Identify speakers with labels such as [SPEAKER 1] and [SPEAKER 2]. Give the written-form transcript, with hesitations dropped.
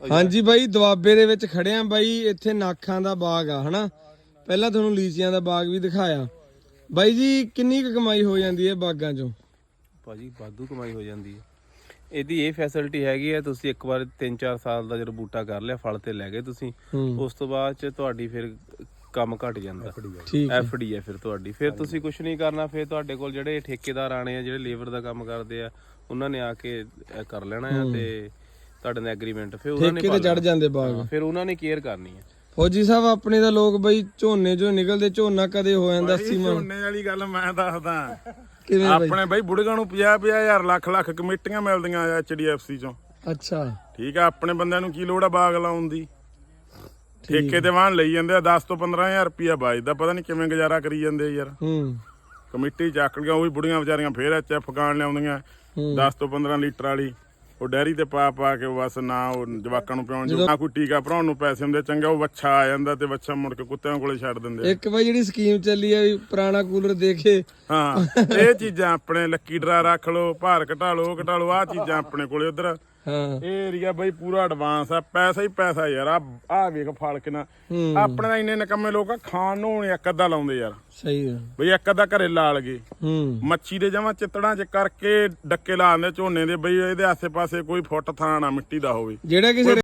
[SPEAKER 1] ਹਾਂਜੀ ਬਾਈ ਦੁਆਬੇ ਦੇ ਵਿੱਚ ਖੜਿਆ ਬਾਈ। ਇੱਥੇ ਨਾਖਾਂ ਦਾ ਬਾਗ ਆ ਹਨਾ। ਪਹਿਲਾਂ ਤੁਹਾਨੂੰ ਲੀਚੀਆਂ ਦਾ ਬਾਗ ਵੀ ਦਿਖਾਇਆ ਬਾਈ ਜੀ। ਕਿੰਨੀ ਕੁ ਕਮਾਈ ਹੋ ਜਾਂਦੀ ਹੈ ਬਾਗਾਂ ਚੋਂ?
[SPEAKER 2] ਭਾਜੀ ਵਾਧੂ ਕਮਾਈ ਹੋ ਜਾਂਦੀ ਹੈ। ਇਹਦੀ ਇਹ ਫੈਸਿਲਿਟੀ ਹੈਗੀ ਹੈ, ਤੁਸੀਂ ਇੱਕ ਵਾਰ 3-4 ਸਾਲ ਦਾ ਜਦੋਂ ਬੂਟਾ ਕਰ ਲਿਆ, ਫਲ ਤੇ ਲੈ ਗਏ ਤੁਸੀਂ, ਉਸ ਤੋਂ ਬਾਅਦ ਚ ਤੁਹਾਡੀ ਫਿਰ ਕੰਮ ਘਟ ਜਾਂਦਾ। ਐਫਡੀ ਹੈ ਫਿਰ ਤੁਹਾਡੀ। ਫਿਰ ਤੁਸੀਂ ਕੁਝ ਨਹੀਂ ਕਰਨਾ। ਫਿਰ ਤੁਹਾਡੇ ਕੋਲ ਜਿਹੜੇ ਠੇਕੇਦਾਰ ਆਣੇ ਆ, ਜਿਹੜੇ ਲੇਬਰ ਦਾ ਕੰਮ ਕਰਦੇ ਆ, ਉਹਨਾਂ ਨੇ ਆ ਕੇ ਕਰ ਲੈਣਾ ਆ ਤੇ ਤੁਹਾਡੇ ਨਾਲ ਐਗਰੀਮੈਂਟ ਫਿਰ ਉਹਨਾਂ ਨੇ
[SPEAKER 1] ਚੜ ਜਾਂਦੇ ਬਾਗ।
[SPEAKER 2] ਫਿਰ ਉਹਨਾਂ ਨੇ ਕੇਅਰ ਕਰਨੀ ਹੈ।
[SPEAKER 1] ਫੌਜੀ ਸਾਹਿਬ ਆਪਣੇ ਦਾ ਲੋਕ ਬਈ ਝੋਨੇ ਚੋਂ ਨਿਕਲਦੇ, ਝੋਨਾ ਕਦੇ ਹੋ ਜਾਂਦਾ 80 ਮਣ।
[SPEAKER 3] ਝੋਨੇ ਵਾਲੀ ਗੱਲ ਮੈਂ ਦੱਸਦਾ ਆਪਣੇ ਬਈ ਬੁੜੀਆਂ ਨੂੰ 50-50 ਹਜ਼ਾਰ ਲੱਖ ਕਮੇਟੀਆਂ ਮਿਲਦੀਆਂ HDFC ਚੋਂ।
[SPEAKER 1] ਅੱਛਾ
[SPEAKER 3] ਠੀਕ ਆ। ਆਪਣੇ ਬੰਦਿਆਂ ਨੂੰ ਕੀ ਲੋੜ ਆ ਬਾਗ ਲਾਉਣ ਦੀ? ਠੇਕੇ ਤੇ ਵਾਹਨ ਲਈ ਜਾਂਦੇ ਆ 10 ਤੋਂ 15,000 ਰੁਪਇਆ ਬਾਜਦਾ। ਪਤਾ ਨਹੀਂ ਕਿਵੇਂ ਗੁਜ਼ਾਰਾ ਕਰੀ ਜਾਂਦੇ ਯਾਰ। ਕਮੇਟੀ ਚੱਕ ਲਿਆ, ਉਹ ਵੀ ਬੁੜੀਆਂ ਵਿਚਾਰੀਆਂ ਫੇਰ HF ਗਾਣ ਲਿਆਉਂਦੀਆਂ 10 ਤੋਂ 15 ਲੀਟਰ ਵਾਲੀ। ਉਹ ਡੈਰੀ ਤੇ ਪਾ ਕੇ ਬਸ ਨਾ ਉਹ ਜਵਾਕਾਂ ਨੂੰ ਪਿਆਉਣ ਜੋ, ਨਾ ਕੋਈ ਟੀਕਾ ਭਰਾਉਣ ਨੂੰ ਪੈਸੇ ਹੁੰਦੇ। ਚੰਗਾ ਉਹ ਵੱਛਾ ਆ ਜਾਂਦਾ ਤੇ ਵੱਛਾ ਮੁੜ ਕੇ ਕੁੱਤਿਆਂ ਕੋਲੇ ਛੱਡ ਦਿੰਦੇ।
[SPEAKER 1] ਇੱਕ ਬਾਈ ਜਿਹੜੀ ਸਕੀਮ ਚੱਲੀ ਆ ਵੀ ਪੁਰਾਣਾ ਕੂਲਰ ਦੇਖੇ।
[SPEAKER 3] ਹਾਂ ਇਹ ਚੀਜ਼ਾਂ ਆਪਣੇ ਲੱਕੀ ਡਰਾ ਰੱਖ ਲਓ, ਭਾਰ ਘਟਾ ਲਓ ਆਹ ਚੀਜ਼ਾਂ ਆਪਣੇ ਕੋਲੇ ਉਧਰ। ਇਹ ਏਰੀਆ ਬਈ ਪੂਰਾ ਐਡਵਾਂਸ ਆ। ਪੈਸਾ ਹੀ ਪੈਸਾ ਯਾਰ। ਆ ਵੇਖ ਫਲ ਕਿੰਨਾ। ਆਪਣੇ ਤਾਂ ਇੰਨੇ ਨਿਕੰਮੇ ਲੋਕ ਆ, ਖਾਣ ਨੂੰ ਇੱਕ ਅੱਧਾ ਲਾਉਂਦੇ ਯਾਰ।
[SPEAKER 1] ਸਹੀ ਆ
[SPEAKER 3] ਬਈ ਇੱਕ ਅੱਧਾ ਘਰੇ ਲਾ ਲਗੇ। ਮੱਛੀ ਦੇ ਜਮਾਂ ਚਿੱਤੜਾਂ ਚ ਕਰਕੇ ਡੱਕੇ ਲਾ ਦਿੰਦੇ ਝੋਨੇ ਦੇ। ਬਈ ਇਹਦੇ ਆਸੇ ਪਾਸੇ ਕੋਈ ਫੁੱਟ ਥਾਂ ਨਾ ਮਿੱਟੀ ਦਾ ਹੋਵੇ।
[SPEAKER 1] ਜਿਹੜਾ ਕਿਸੇ